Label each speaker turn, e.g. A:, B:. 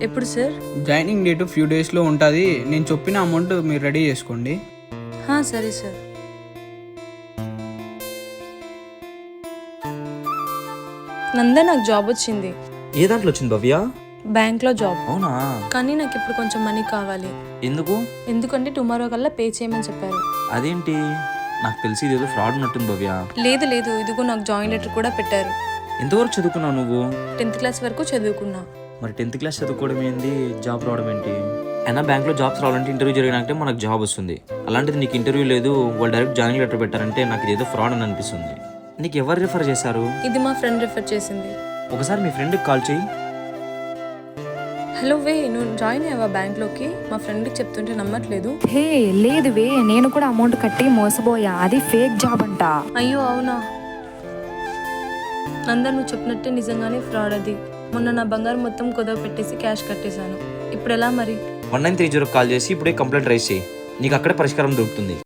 A: ఎప్పుడు sir?
B: Joining date few డేస్లో ఉంటుంది. నేను చెప్పిన అమౌంట్ మీరు రెడీ చేసుకోండి.
A: సరే సార్. నందా, నాకు జాబ్ వచ్చింది.
C: ఏ దాంట్లో వచ్చింది భవ్య?
A: బ్యాంక్లో జాబ్.
C: అవునా?
A: కానీ నాకు ఇప్పుడు కొంచెం మనీ కావాలి.
C: ఎందుకు?
A: ఎందుకంటే టుమారో కల్లా పే చేయమని చెప్పారు.
C: అదేంటి, నాకు తెలిసి ఇదేదో ఫ్రాడ్ ఉన్నట్టుంది భవ్య.
A: లేదు లేదు, ఇదిగో నాకు జాయిన్ లెటర్ కూడా పెట్టారు.
C: ఎంతవరకు చదువుకున్నావు నువ్వు?
A: 10th క్లాస్ వరకు చదువుకున్నా.
C: మరి 10th క్లాస్ చదువుకోవడం ఏంది, జాబ్ రావడం ఏంటి? అయినా బ్యాంక్లో జాబ్స్ రావాలంటే ఇంటర్వ్యూ జరిగినాకే మనకు జాబ్ వస్తుంది. అలాంటిది నీకు ఇంటర్వ్యూ లేదు, వాళ్ళు డైరెక్ట్ జాయినింగ్ లెటర్ పెట్టారంటే నాకు ఇదేదో ఫ్రాడ్ అని అనిపిస్తుంది. నీకు ఎవరు రిఫర్ చేశారు?
A: ఇది మా ఫ్రెండ్ రిఫర్ చేసింది.
C: ఒకసారి మీ ఫ్రెండ్కి కాల్ చేయి.
A: హలో వే, నువ్వు జాయిన్ అయ్యావా బ్యాంక్లోకి? మా ఫ్రెండ్కి చెప్తుంటే నమ్మట్లేదు.
D: హే లేదు వే, నేను కూడా అమౌంట్ కట్టి మోసపోయా. అది ఫేక్ జాబ్ అంట.
A: అయ్యో అవునా? నందా, నువ్వు చెప్పినట్టే నిజంగానే ఫ్రాడ్ అది. మొన్న నా బంగారం మొత్తం కుదవ పెట్టేసి క్యాష్ కట్టేశాను. ఇప్పుడు ఎలా మరి?
C: 1930 కాల్ చేసి ఇప్పుడే కంప్లైంట్ రైజ్ చేయి, నీకు అక్కడే పరిష్కారం దొరుకుతుంది.